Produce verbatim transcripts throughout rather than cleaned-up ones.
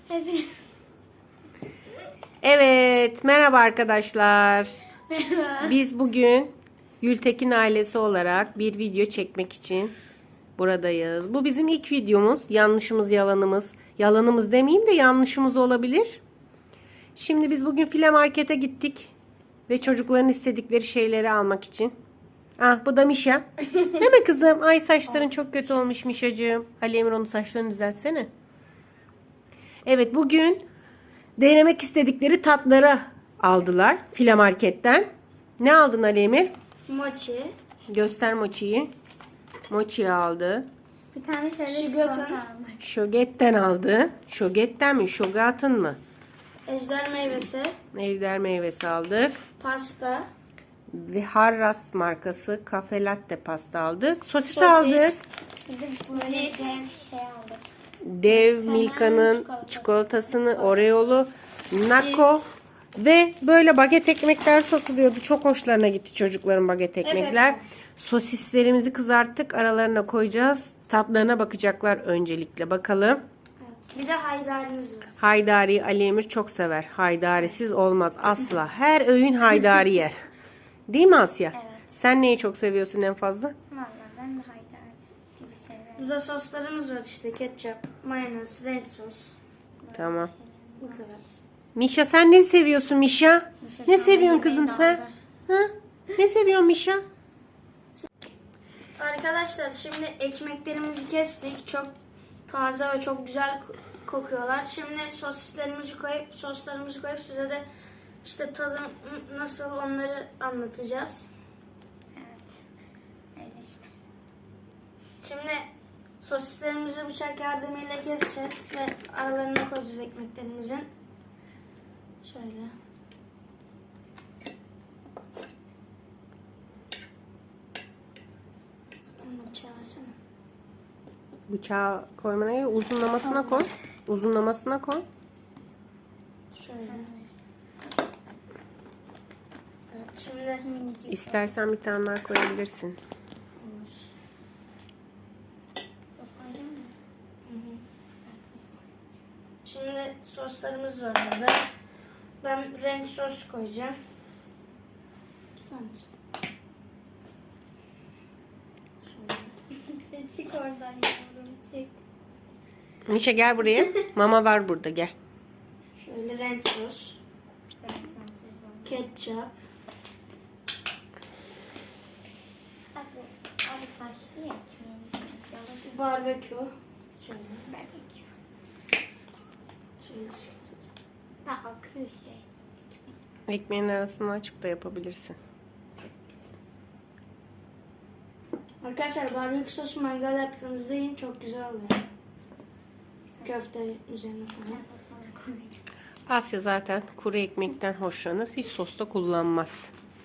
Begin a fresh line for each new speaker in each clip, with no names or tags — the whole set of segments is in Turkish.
Hepiniz.
Evet, merhaba arkadaşlar.
Merhaba.
Biz bugün Gültekin ailesi olarak bir video çekmek için buradayız. Bu bizim ilk videomuz. Yanlışımız, yalanımız. Yalanımız demeyeyim de yanlışımız olabilir. Şimdi biz bugün File Market'e gittik. Ve çocukların istedikleri şeyleri almak için. Ah, bu da Mişa. Değil mi kızım? Ay, saçların çok kötü olmuş Mişacığım. Ali Emir, onun saçlarını düzeltsene. Evet, bugün denemek istedikleri tatları aldılar File Market'ten. Ne aldın Ali Emir?
Mochi.
Göster mochiyi. Mochi aldı.
Bir tane şöyle
Şugatın.
çikolata aldık.
Şoget'ten aldı. Şoget'ten mi? Şogat'ın mı?
Ejder meyvesi,
Ejder meyvesi aldık.
pasta,
Ve Harras markası kafe latte pasta aldık. Sosis,
Sosis.
aldık.
Bir de böyle
Cips.
bir şey aldık.
Dev Milka'nın
çikolatası.
çikolatasını, Oreo'lu, Nako ve böyle baget ekmekler satılıyordu. Çok hoşlarına gitti çocukların baget ekmekler.
Evet.
Sosislerimizi kızarttık. Aralarına koyacağız. Tatlarına bakacaklar öncelikle. Bakalım.
evet. Bir de haydarimiz var.
Haydari Ali Emir çok sever. Haydarisiz olmaz asla. Her öğün haydari yer. Değil mi Asya?
Evet.
Sen neyi çok seviyorsun en fazla?
Valla ben de haydar gibi seviyorum.
Burada soslarımız var işte ketçap, mayonez, renk sos.
Tamam.
Bu kadar.
Mişa, sen ne seviyorsun Mişa?
Mişa
Ne
şu
seviyorsun
anda
kızım
yemeği
sen?
de aldı.
Ha? Ne seviyorsun Mişa?
Arkadaşlar şimdi ekmeklerimizi kestik. Çok taze ve çok güzel kokuyorlar. Şimdi sosislerimizi koyup soslarımızı koyup size de işte tadı nasıl onları anlatacağız.
Evet. Öyle işte.
Şimdi sosislerimizi bıçak yardımıyla keseceğiz ve aralarına koyacağız ekmeklerimizin. Şöyle. Bunu bıçağı versene.
Bıçağı koymana gerek, uzunlamasına koy. Uzunlamasına koy.
Şöyle. Evet şimdi
Minicik.
İstersen bir tane daha koyabilirsin.
Sos koyacak mısın?
Şimdi soslarımız var burada. Ben renk sos koyacağım. Tutar mısın?
Şey, çık oradan yavrum, çık.
Mişa, gel buraya. Mama var burada, gel.
Şöyle renk sos,
Ben sensiz oldum.
ketçap,
Abi, abi kaçtı ya ekmeğimiz. Yalan.
barbekü. Şöyle.
Barbekü.
Şöyle.
Ha, akıyor şey. Ekmek.
Ekmeğin arasını açıp da yapabilirsin.
Arkadaşlar barbekü sosu mangal yaptığınızda yiyin, çok güzel oluyor. Köfte üzerine
Ben
falan.
sos bana koymak istedim.
Asya zaten kuru ekmekten hoşlanır. Hiç sosta kullanmaz.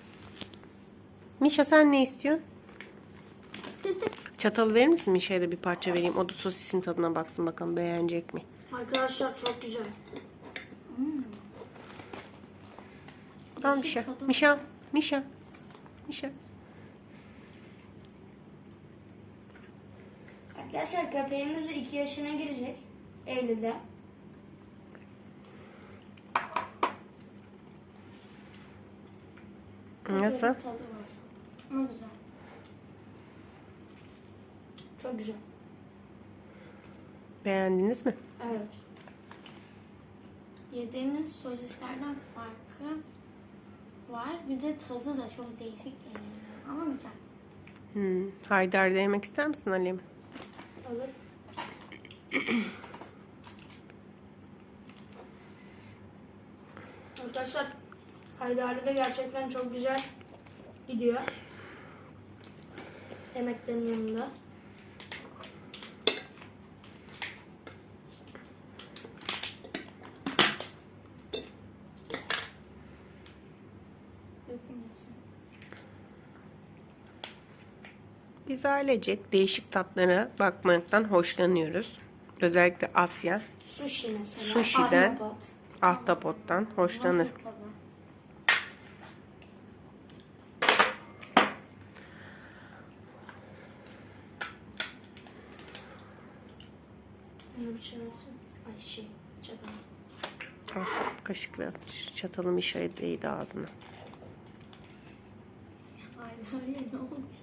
Mişa, sen ne istiyorsun? Çatalı verir misin Mişa'ya da bir parça vereyim. O da sosisin tadına baksın bakalım beğenecek mi?
Arkadaşlar çok güzel.
Al Mişa. Mişa. Mişa. Mişa.
Arkadaşlar köpeğimiz iki yaşına girecek. Eylül'de.
Nasıl?
Tadı var. Ama güzel.
Çok güzel.
Beğendiniz mi?
Evet.
Yediğimiz sosislerden farkı var. Bir de tadı da çok değişik geliyor. Ama güzel.
Hmm. Haydar yemek ister misin Ali'm?
Olur. Arkadaşlar Haydari de gerçekten çok güzel gidiyor. Yemeklerin yanında.
Dökülmesin.
Biz ailecek değişik tatlara bakmaktan hoşlanıyoruz. Özellikle Asya
Sushi mesela.
Sushi'den.
Ahtapot.
ahtapottan hoşlanır.
Nasıl tadı?
Bunu bir çevirsin. Ay şey. Çatal.
Ah, kaşıkla şu çatalım işe değdi ağzına.
Ay Derya ne olmuş?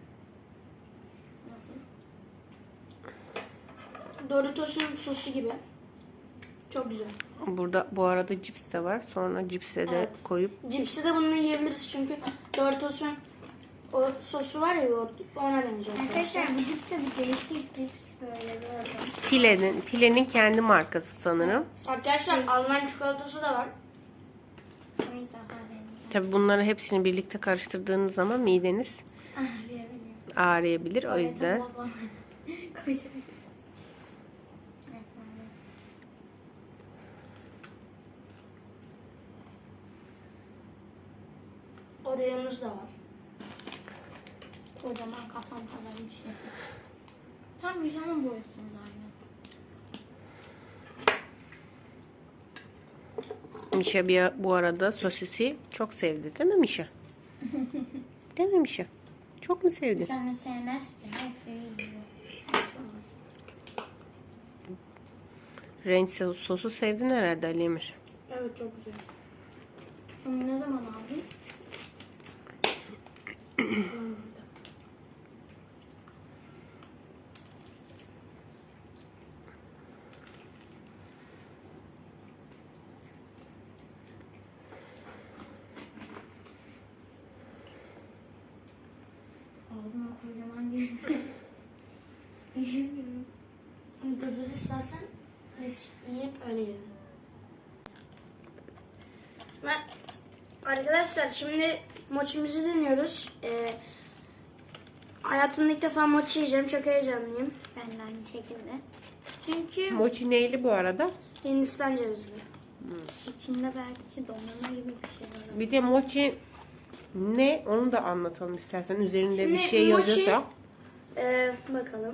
Nasıl?
Doritos'un sosu gibi. Çok güzel.
Burada bu arada cips de var. Sonra cipse de
Evet.
koyup
Cipsi de bununla yiyebiliriz çünkü Doritos'un o sosu var ya yoğurt, ona benziyor.
Arkadaşlar bu cips de bir değişik cips böyle gördüm.
File'nin, File'nin kendi markası sanırım.
Arkadaşlar Alman çikolatası da var.
Bir daha deneyim.
Tabii bunları hepsini birlikte karıştırdığınız zaman mideniz
Ağrıyabiliyor.
ağrıyabilir. O yüzden
Koyacağım.
Oreo'muz da var.
Kocaman kafam kadar bir şey. Tam yüzümün boyutunda aynı.
Mişa bir, bu arada sosisi çok sevdi değil mi Mişa? Değil mi Mişa? Çok mu sevdi?
Sen de sevmez ki her şeyi yiyor.
Renk sos- sosu sevdin herhalde Ali Emir.
Evet çok güzel.
Bunu ne zaman aldın? Aldım o kocaman değil. Yiyemiyorum.
Ödül istersen biz yiyip öyle yiyelim. Ben, arkadaşlar şimdi mochimizi deniyoruz. Ee, hayatımda ilk defa mochi yiyeceğim. Çok heyecanlıyım.
Ben de aynı şekilde. Çünkü
Mochi neyli bu arada?
Hindistan cevizli.
içinde belki dondurma gibi bir şey var.
Bir de mochi ne onu da anlatalım istersen. Üzerinde bir
Şimdi
şey
mochi-
yazıyorsa.
Ee, bakalım.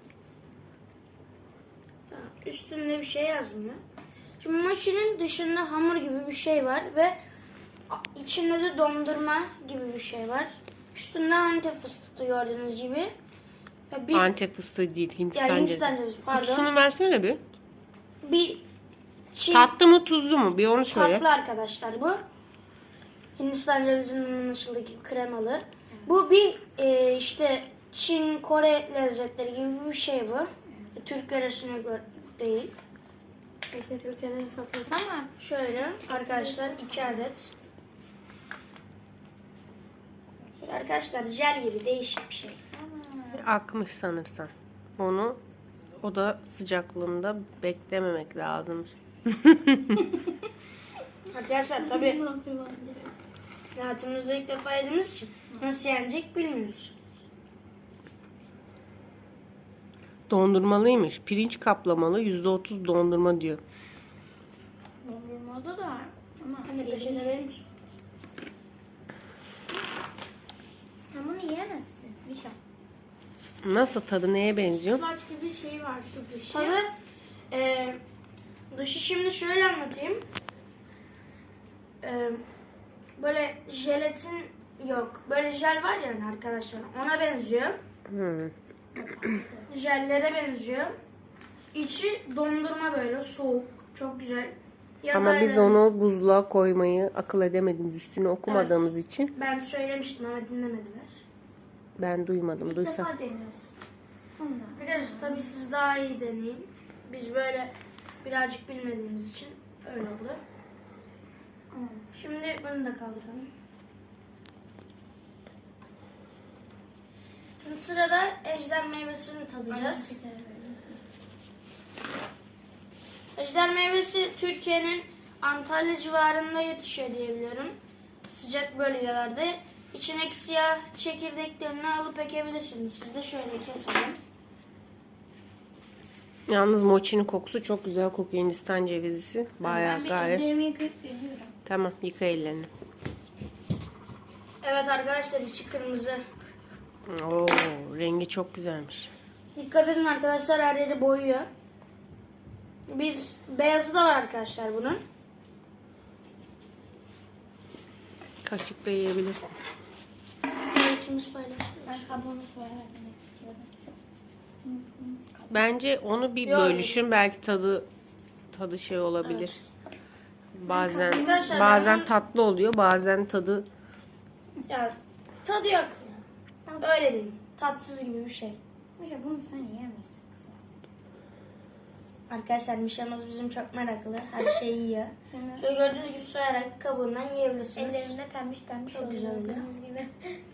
Ha, üstünde bir şey yazmıyor. Şimdi mochinin dışında hamur gibi bir şey var ve a- içinde de dondurma gibi bir şey var. Üstünde Antep fıstığı gördüğünüz gibi. Ya bir,
Antep fıstığı değil, Hindistan
yani
cevizi.
Hindistan cevizi pardon.
Kutusunu versene bir.
Bir Çin
Tatlı mı tuzlu mu? Bir onu söyle.
tatlı arkadaşlar bu. Hindistan cevizinin anlaşıldığı gibi kremalı. Bu bir e, işte Çin, Kore lezzetleri gibi bir şey bu. Türk yöresine göre değil.
Keşke Türkiye'de de satılsa ama
Şöyle arkadaşlar iki adet. Şöyle arkadaşlar jel gibi değişik bir şey.
Akmış sanırsan. Onu o da sıcaklığında beklememek lazım.
Arkadaşlar tabii hayatımızda ilk defa yediğimiz için nasıl yenecek bilmiyoruz.
Dondurmalıymış. Pirinç kaplamalı yüzde otuz dondurma diyor.
dondurmada da var. Ama
Anne peşine verir misin?
sen bunu yiyemezsin. Bir şey.
Nasıl tadı neye benziyor?
Slaç gibi bir şey var şu dışı.
Tadı e, dışı şimdi şöyle anlatayım. E, böyle jelatin yok. Böyle jel var ya hani arkadaşlar ona benziyor.
Hı.
Jellere benziyor. İçi dondurma böyle soğuk. Çok güzel. Yaz
Ama biz
aylarında-
onu buzluğa koymayı akıl edemediğimiz, üstüne okumadığımız için
Ben söylemiştim ama dinlemediler.
ben duymadım.
İlk
Duysam.
defa deniyorsun. Ondan.
Arkadaşlar tabii siz daha iyi deneyin. Biz böyle birazcık bilmediğimiz için öyle oldu.
Ama
Şimdi bunu da kaldıralım. Şimdi sırada ejder meyvesini tadacağız.
bir kere veriyorsun.
Ejder meyvesi Türkiye'nin Antalya civarında yetişiyor diyebiliyorum. Sıcak bölgelerde. İçindeki siyah çekirdeklerini alıp ekebilirsiniz. Siz de şöyle keselim.
Yalnız mochinin kokusu çok güzel kokuyor. Hindistan cevizisi. Bayağı
Ben bir
gayet.
ellerimi yıkayıp geliyorum.
Tamam, yıka ellerini.
Evet arkadaşlar içi kırmızı.
Oo, rengi çok güzelmiş.
Dikkat edin arkadaşlar her yeri boyuyor. Biz beyazı da var arkadaşlar bunun.
Kaşıkla yiyebilirsin.
İkimiz paylaşıyoruz.
Ben kabuğunu soyarak yemek istiyorum.
Bence onu bir
Yok.
bölüşün, belki tadı tadı şey olabilir.
Evet.
Bazen
Arkadaşlar,
bazen
ben-
tatlı oluyor, bazen tadı
Ya tadı yok. Ya. Öyle değil. Tatsız gibi bir şey.
Mişa bunu sen yiyemezsin.
Arkadaşlar Mişa'mız bizim çok meraklı. Her şeyi yiyor.
Şimdi
Şöyle gördüğünüz gibi soyarak kabuğundan yiyebilirsiniz.
ellerinde pembiş pembiş
Çok
oluyor,
güzel oluyor.
gördüğünüz gibi.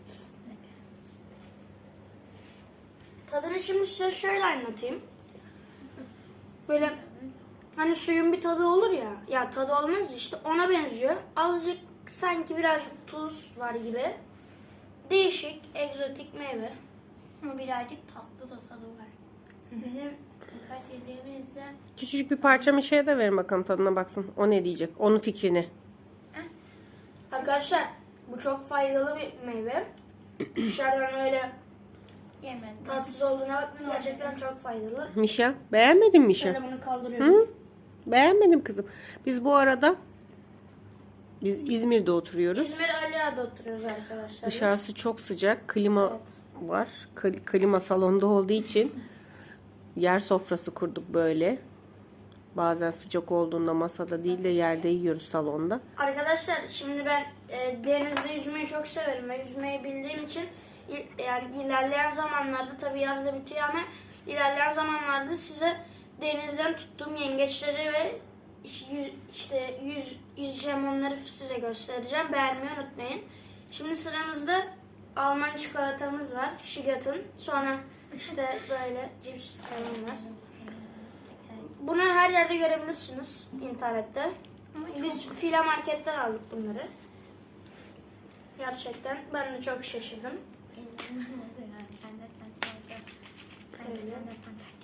Tadını şimdi size şöyle anlatayım. Böyle hani suyun bir tadı olur ya. Ya tadı olmaz işte ona benziyor. Azıcık sanki birazcık tuz var gibi. Değişik, egzotik meyve.
Ama birazcık tatlı da tadı var. Bizim birkaç yediğimizde
küçücük bir parça Mişa'ya da verin bakalım tadına baksın. O ne diyecek? Onun fikrini.
Arkadaşlar bu çok faydalı bir meyve. Dışarıdan öyle
yemedim.
tatsız olduğuna bakmayın. Gerçekten çok faydalı.
Mişa, beğenmedin mi Mişa?
Şöyle bunu kaldırıyorum.
Hı? Beğenmedim kızım. Biz bu arada biz İzmir'de oturuyoruz.
İzmir Aliağa'da oturuyoruz arkadaşlar.
Dışarısı çok sıcak. Klima
Evet.
var. Kli- Klima salonda olduğu için yer sofrası kurduk böyle. Bazen sıcak olduğunda masada değil de yerde yiyoruz salonda.
Arkadaşlar şimdi ben e, denizde yüzmeyi çok severim ve yüzmeyi bildiğim için i- yani ilerleyen zamanlarda tabii yazda bitiyor ama ilerleyen zamanlarda size denizden tuttuğum yengeçleri ve iş- yü- işte yüz yüzeceğim onları size göstereceğim. Beğenmeyi unutmayın. Şimdi sıramızda Alman çikolatamız var. Şigat'ın. Sonra işte böyle cips falan var. Bunu her yerde görebilirsiniz internette.
Ama
Biz fila marketten aldık bunları. Gerçekten ben de çok şaşırdım.
ellerim oldu yani. Sen de sen de. Sen de
Öyle.
sen de sen de.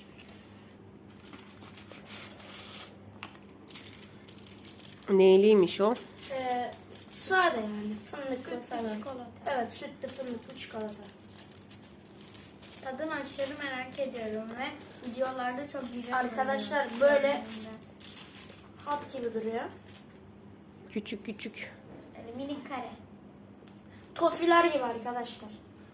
Neyliymiş o?
Ee, sade yani fındıklı falan.
Çikolata.
Evet sütlü fındıklı çikolata.
Tadını aşırı merak ediyorum ve videolarda çok güzel
Arkadaşlar,
oluyor.
böyle- Hat gibi duruyor.
Küçük küçük.
Böyle minik kare.
Tofiler gibi arkadaşlar.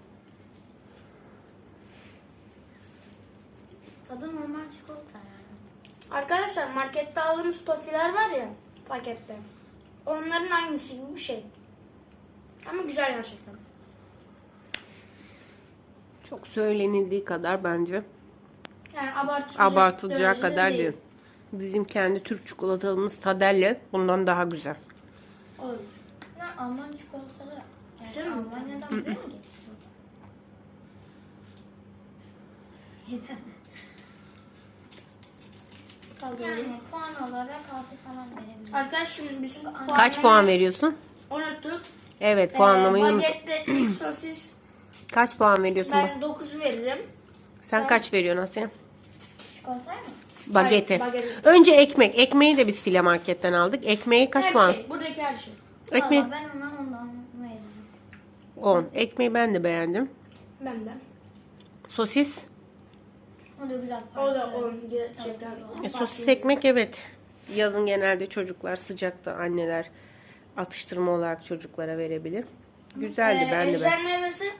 Tadı normal çikolata yani.
Arkadaşlar markette aldığımız tofiler var ya pakette. Onların aynısı gibi bir şey. Ama güzel gerçekten.
Çok söylenildiği kadar bence
Yani abartılacak,
abartılacağı
derecede
kadar değil. Bizim kendi Türk çikolatamız Tadelle bundan daha güzel.
Olur.
Bunlar Alman çikolataları.
İstiyor
Yani
musun?
Almanya'dan buraya mı getiriyor?
Kaldıralım.
Yani puan olarak altı falan verebilirim.
Arkadaş şimdi biz
Kaç puan veriyorsun?
unuttuk.
Evet, puanlamayı
Ee,
unut.
Bagetle ekmek sosis
Kaç puan veriyorsun? bak?
ben dokuz veririm.
Sen
sen-
kaç veriyorsun Asya?
Çikolatayı mı?
Bagete.
Hayır, bagete.
Önce ekmek. Ekmeği de biz file marketten aldık. Ekmeği kaç
her
puan?
şey. Buradaki her şey.
Ekmeği
Valla ben ona ondan veririm.
on. Ekmeği ben de beğendim.
Ben de.
Sosis.
O da güzel.
O da on gerçekten.
E, sosis ekmek evet. Yazın genelde çocuklar sıcakta anneler atıştırma olarak çocuklara verebilir. Güzeldi
Ee,
ben de ben.
ejder meyvesi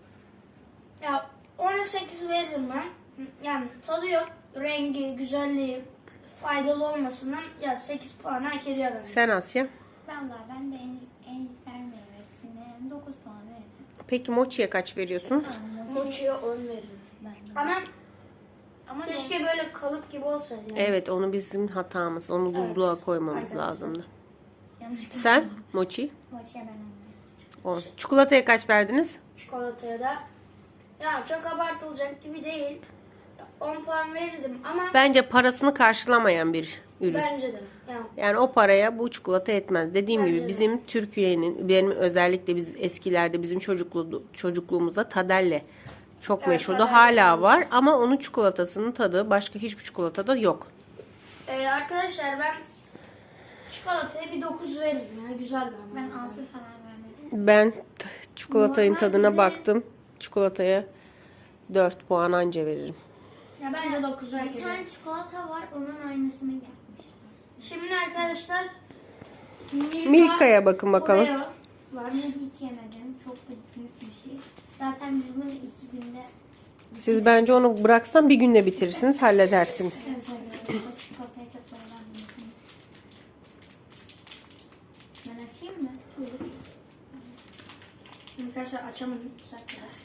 ya ona sekiz veririm ben. Yani tadı yok. Rengi, güzelliği, faydalı olmasından ya sekiz puan hak ediyor bence.
Sen Asya.
Valla ben de en, ejder meyvesine dokuz puan veririm.
Peki mochiye kaç veriyorsunuz?
Mochi'ye on veririm.
Ben de.
Ama
Ama
keşke böyle kalıp gibi olsaydı. Yani.
Evet, onu bizim hatamız. Onu
Evet.
buzluğa koymamız
Arkadaşlar.
lazımdı.
yanlış
Sen mochi
Mochi'ye ben onu veririm.
on. Çikolataya kaç verdiniz?
Çikolataya da ya çok abartılacak gibi değil. on puan verirdim ama
Bence parasını karşılamayan bir ürün.
bence de. Yani
Yani o paraya bu çikolata etmez. Dediğim
Bence
gibi
de.
bizim Türkiye'nin, benim özellikle biz eskilerde bizim çocukluğu, çocukluğumuzda Tadelle çok
Evet,
meşhurdu.
Tadelle.
Hala var ama onun çikolatasının tadı başka hiçbir çikolatada yok.
Ee, arkadaşlar ben çikolataya bir dokuz veririm ya. Güzel ama.
Ben altı falan vermek istiyorum.
Ben t- çikolatanın
Normal
tadına
bize-
baktım. Çikolataya dört puan anca veririm.
Ya ben de dokuz
Bir
veririm.
tane çikolata var onun aynısını yapmış.
Şimdi arkadaşlar Milka,
Milka'ya bakın bakalım.
Oreo var.
Bunu hiç yemedim. Çok da büyük bir şey. Zaten biz bunu iki günde
Siz bence onu bıraksan bir günde bitirirsiniz, halledersiniz.
seviyoruz. Çikolatayı çok seviyorum. Ben açayım mı?
Olur. Şimdi arkadaşlar açamadım. Sak biraz.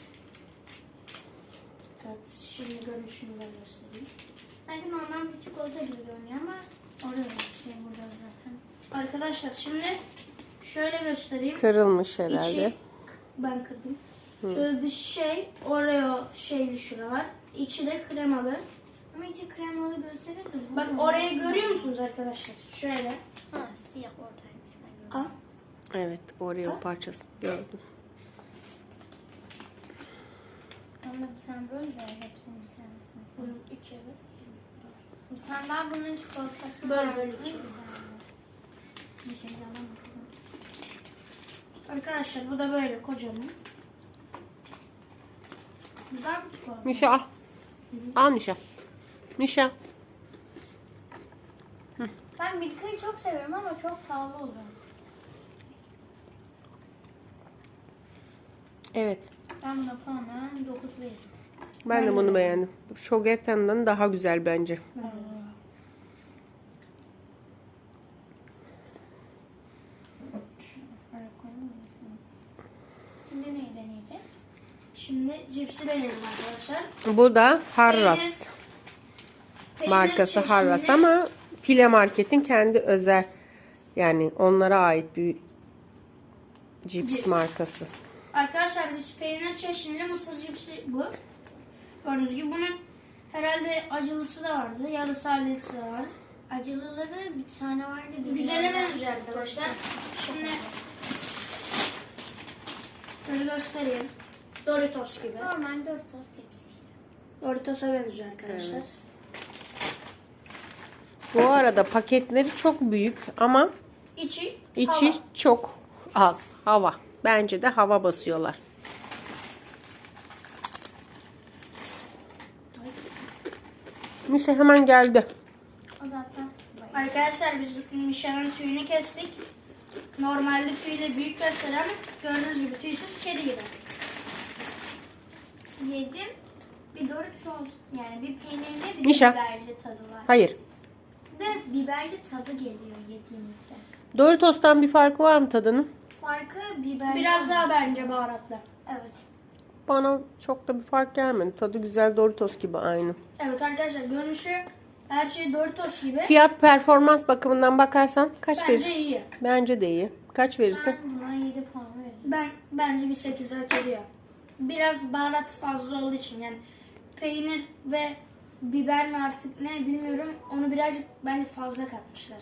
Evet. Şimdi görünüşünü ben göstereyim.
Belki normal bir çikolata gibi görünüyor ama orada şey burada zaten.
Arkadaşlar şimdi şöyle göstereyim.
Kırılmış herhalde.
İçi, ben kırdım. Şöyle dış şey, Oreo şeyli şuralar. İçi de kremalı.
Ama içi kremalı gösterir de.
Bak orayı görüyor musunuz arkadaşlar? Şöyle.
Ha, siyah oradaymış ben gördüm.
Al.
Evet, Oreo parçası gördüm.
Ama sen böyle de hepsini bir tanesini.
Bunun iki evet.
Bir tane daha bunun çikolatası
Böyle
var.
böyle
Ne
içiyor.
güzel. Bir şey yalan kızım.
Arkadaşlar bu da böyle kocaman.
Güzel bir çikolata.
Mişa al. Al Mişa. Mişa.
Ben Milka'yı çok seviyorum ama çok pahalı oluyor.
Evet.
Ben buna puanı dokuz veririm.
Ben, de bunu beğendim. Şogeten'den daha güzel bence.
Öyle koyalım mı? Şimdi neyi deneyeceğiz?
Şimdi cipsi deneyelim arkadaşlar.
Bu da Harras
Peynir
markası
çeşnili-
Harras ama File Market'in kendi özel, yani onlara ait bir cips
Cips.
markası.
Arkadaşlar biz peynir çeşnili mısır cipsi bu. Gördüğünüz gibi bunun herhalde acılısı da vardı ya da sadesi de var.
Acılıları bir tane vardı. Bir
Güzele
tane-
benziyor arkadaşlar. Şimdi şöyle göstereyim. Doritos gibi.
Normal Doritos cipsi.
Doritos'a benziyor arkadaşlar.
Evet. Bu arada paketleri çok büyük ama
İçi,
içi
hava.
çok az. Hava. Bence de hava basıyorlar. Mişa hemen geldi.
O zaten bayağı.
Arkadaşlar biz Mişa'nın tüyünü kestik. Normalde tüyü de büyük gösteren gördüğünüz gibi tüysüz kedi gibi.
Yedim. Bir Doritos yani bir peynirli bir
Mişa.
biberli tadı var.
Hayır.
Ve biberli tadı geliyor yediğimizde.
Doritos'tan bir farkı var mı tadının?
Farkı biberli.
Biraz daha bence baharatlı.
Evet.
Bana çok da bir fark gelmedi. Tadı güzel, Doritos gibi aynı.
Evet arkadaşlar görünüşü her şey Doritos gibi.
Fiyat performans bakımından bakarsan kaç
Bence
verirsin?
iyi.
Bence de iyi. Kaç verirsin?
Ben buna yedi puan veririm.
Ben bence bir sekiz hak ediyor. Biraz baharat fazla olduğu için yani peynir ve biber mi artık ne bilmiyorum onu birazcık bence fazla katmışlar.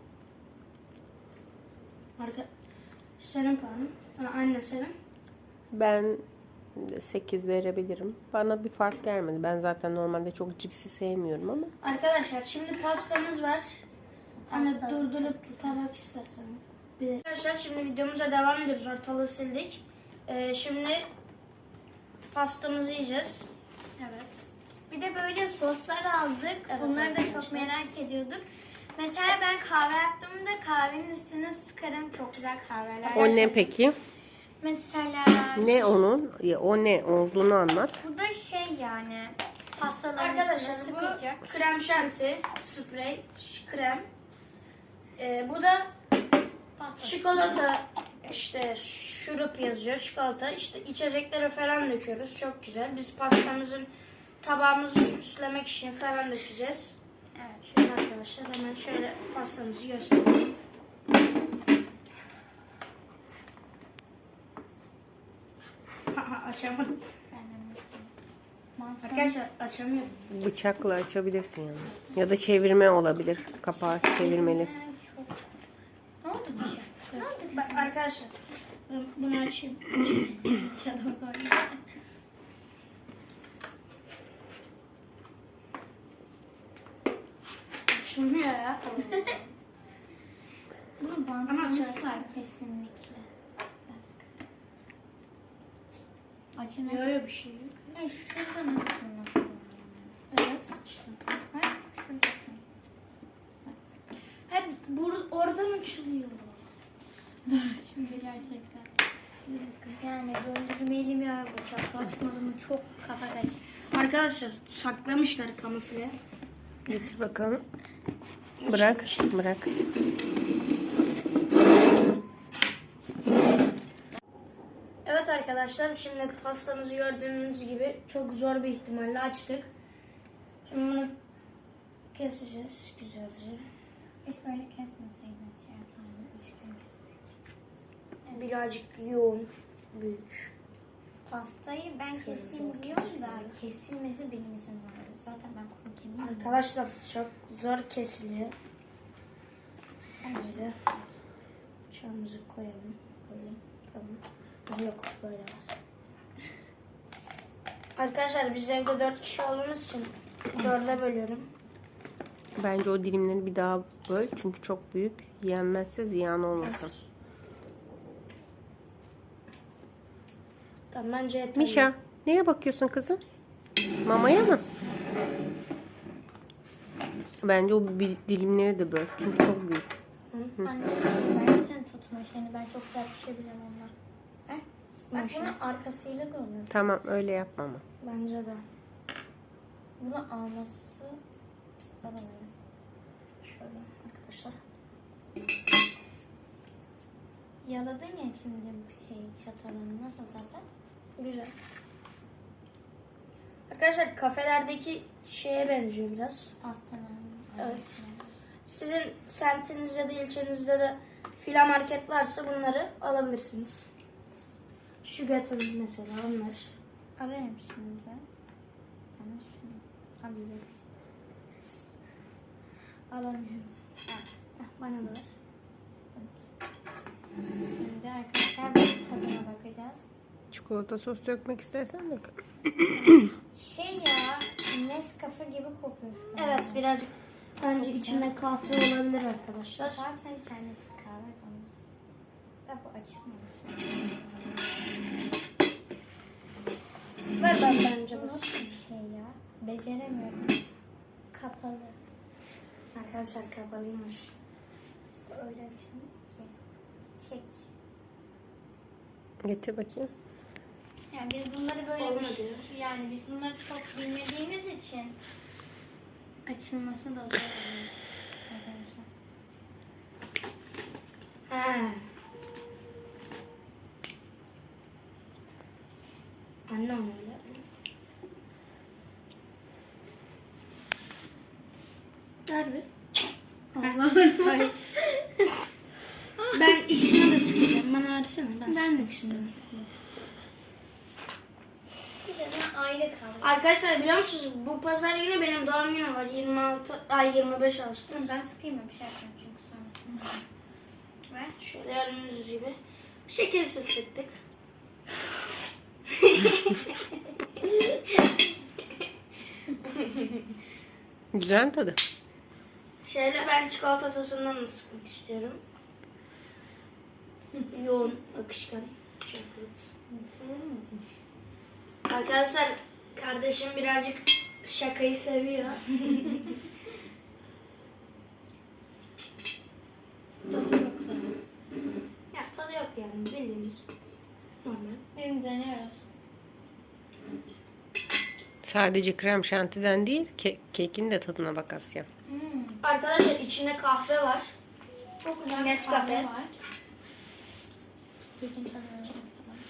Arka senin puanın. Ha, anne senin.
Ben de sekiz verebilirim. Bana bir fark gelmedi. Ben zaten normalde çok cipsi sevmiyorum ama.
Arkadaşlar şimdi pastamız var. Anne durdurup tabak istersen. Bir de. Arkadaşlar şimdi videomuza devam ediyoruz. Ortalığı sildik. Ee, şimdi pastamızı yiyeceğiz.
Evet. Bir de böyle soslar aldık.
Evet,
Bunları da çok
arkadaşlar.
merak ediyorduk. Mesela ben kahve yaptığımda kahvenin üstüne sıkarım. Çok güzel kahveler.
O ne peki?
Mesela
Ne onun? Ya, o ne olduğunu anlat.
bu da şey yani pastaların
Arkadaşlar
üstüne
bu
sıkacak.
krem şanti, sprey, ş- krem. Ee, bu da
Pasta.
çikolata, işte şurup yazıyor, çikolata. İşte içeceklere falan döküyoruz. Çok güzel. Biz pastamızın tabağımızı süslemek için falan dökeceğiz.
Evet.
Şöyle arkadaşlar hemen şöyle pastamızı göstereyim. Açamadım.
Ben de bakayım. Mantar.
Arkadaşlar açamıyorum.
Bıçakla açabilirsin yani. Ya da çevirme olabilir. Kapağı çevirmeli.
Ee, çok- Ne oldu bir şey? Ne oldu
Bak
kızım?
arkadaşlar ben bunu açayım.
Canım var.
Açılmıyor ya.
Bunun
Ama
bantlaması
açarsın.
var kesinlikle.
Yok
Açılmıyor.
yok bir şey yok.
Ay şuradan açılması.
Evet işte.
Bak şurada.
Hep bur- oradan açılıyor.
Şimdi gerçekten. Yani döndürmeli mi ya bıçak açmalı mı çok kafa karıştı.
Arkadaşlar saklamışlar kamufle.
Getir bakalım. Bırak, bırak.
Evet arkadaşlar, şimdi pastamızı gördüğünüz gibi çok zor bir ihtimalle açtık. Şimdi bunu keseceğiz güzelce.
Hiç böyle kesmeseydin şey yapardın. Üçgen kesseydin.
Birazcık yoğun, büyük.
Pastayı ben
Şöyle
keseyim
zor
diyorum da
kesiliyor.
kesilmesi benim için zor. Zaten ben kuru kemiğim.
Arkadaşlar çok zor kesiliyor. Böyle bıçağımızı koyalım. Böyle tamam. Ha, yok böyle var. Arkadaşlar biz evde dört kişi olduğumuz için dörde bölüyorum.
Bence o dilimleri bir daha böl. Çünkü çok büyük. Yenmezse ziyan olmasın.
Tamam bence yeterli.
Mişa, neye bakıyorsun kızım? Mamaya mı? Bence o bir dilimleri de böl. Çünkü çok büyük.
Anne şey versene tutma şeyini. Ben çok güzel pişebilirim onunla. Ver. Bak
Maşallah.
bunun arkasıyla da olur.
Tamam, öyle yapma ama.
Bence de.
Bunu alması zor oluyor.
Şöyle arkadaşlar.
Yaladın ya şimdi bu şeyi çatalını. Nasıl zaten?
Güzel. Arkadaşlar kafelerdeki şeye benziyor biraz.
Pastanın.
Evet. Sizin semtinizde ya da ilçenizde de fila market varsa bunları alabilirsiniz. Şu getirin mesela onlar.
Alırım şimdi. Ben de şunu alayım. Alamıyorum.
Heh, bana da ver.
Şimdi arkadaşlar bir tadına bakacağız.
Çikolata sos dökmek istersen de.
Şey ya, Nescafe gibi kokuyor şu an.
Evet birazcık bence içinde kahve olabilir arkadaşlar.
Zaten kendisi kahve konuyor. Da bu açılmamış.
Ver ben bence
Bu
bas.
nasıl bir şey ya? Beceremiyorum. Kapalı.
Arkadaşlar kapalıymış.
Öyle açılmıyor ki. Çek.
Getir bakayım.
Yani biz bunları böyle
Olmadı.
bir- yani biz bunları çok bilmediğimiz için açılması da zor oluyor. Arkadaşlar.
He. Anne onu öyle. Ver bir. Hayır. Ben üstüne de sıkacağım. Bana versene. Ben,
Ben de
sıkmak istiyorum.
Güzel, aile kaldı.
Arkadaşlar biliyor musunuz bu pazar günü benim doğum günüm var. yirmi altı ay yirmi beş Ağustos.
Ben sıkayım bir şey yapacağım çünkü sonrasında. Ver.
Şöyle gördüğünüz gibi şekilsiz sıktık.
Güzel mi tadı?
Şöyle ben çikolata sosundan da sıkmak istiyorum. Yoğun, akışkan. Çikolata. Arkadaşlar kardeşim birazcık şakayı seviyor. Tadı çok güzel. Ya tadı yok yani bildiğimiz normal.
Benim deniyoruz.
Sadece krem şantiden değil, ke- kekin de tadına bak Asya.
Hmm.
Arkadaşlar içinde kahve var.
Çok güzel bir
Nescafe.
kahve var. Kekin tadına bakalım.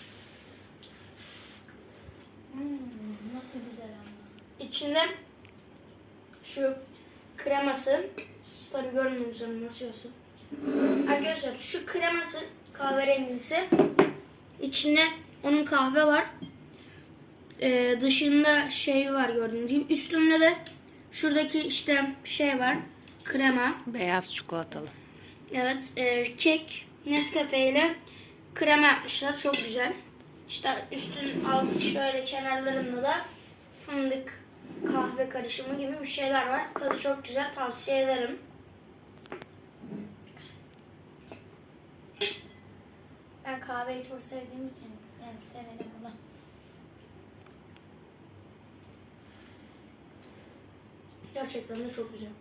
Hmm, nasıl güzel ama.
İçinde şu kreması, siz tabi görmüyorsunuz onu nasıl yiyorsun. Arkadaşlar şu kreması kahverengisi, içinde onun kahve var. Ee, dışında şey var gördüğünüz gibi. Üstünde de şuradaki işte şey var, krema.
Beyaz çikolatalı.
Evet, e, kek, Nescafe ile krema yapmışlar. Çok güzel. İşte üstün alt şöyle kenarlarında da fındık, kahve karışımı gibi bir şeyler var. Tadı çok güzel. Tavsiye ederim.
Ben kahveyi çok sevdiğim için yani severim bunu.
Gerçekten de çok güzel.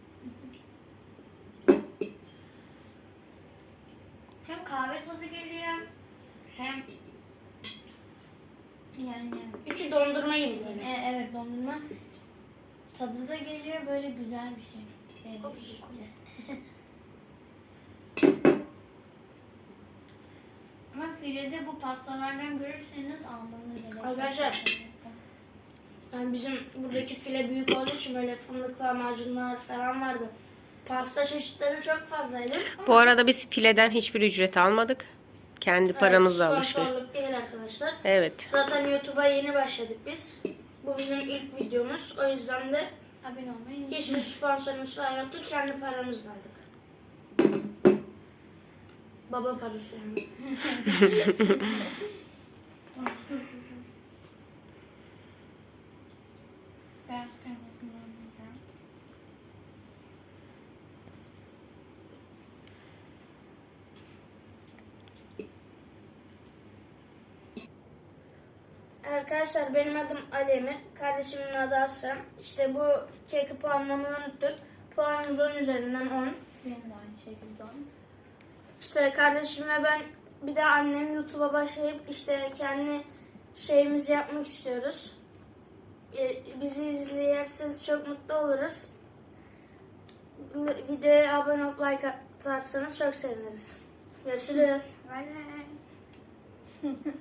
Hem kahve tadı geliyor hem yani
Üçü dondurma gibi böyle.
e, evet dondurma tadı da geliyor böyle güzel bir şey. Benim
Ops.
kule. Ama filede bu pastalardan görürseniz almanız gerekiyor.
Arkadaşlar, yani bizim buradaki file büyük olduğu için böyle fındıklı lahmacunlar falan vardı. Pasta çeşitleri çok fazlaydı.
Bu arada biz fileden hiçbir ücret almadık. Kendi paramızla
Evet,
alıştık.
sponsorluk değil arkadaşlar.
Evet.
Zaten YouTube'a yeni başladık biz. Bu bizim ilk videomuz. O yüzden de
Abone olmayı unutmayın.
hiçbir sponsorumuz falan yoktu. Kendi paramızla aldık. Baba parası yani.
Beyaz kremasını almayacağım.
Arkadaşlar benim adım Ali Emir. Kardeşimin adı Aslan. İşte bu keki puanlamayı unuttuk. Puanımız on üzerinden on.
Benim de aynı şekilde on.
İşte kardeşim ve ben bir de annem YouTube'a başlayıp işte kendi şeyimizi yapmak istiyoruz. Ee, Bizi izleyerseniz çok mutlu oluruz. Videoya abone olup like atarsanız çok seviniriz. Görüşürüz.
Bay bay.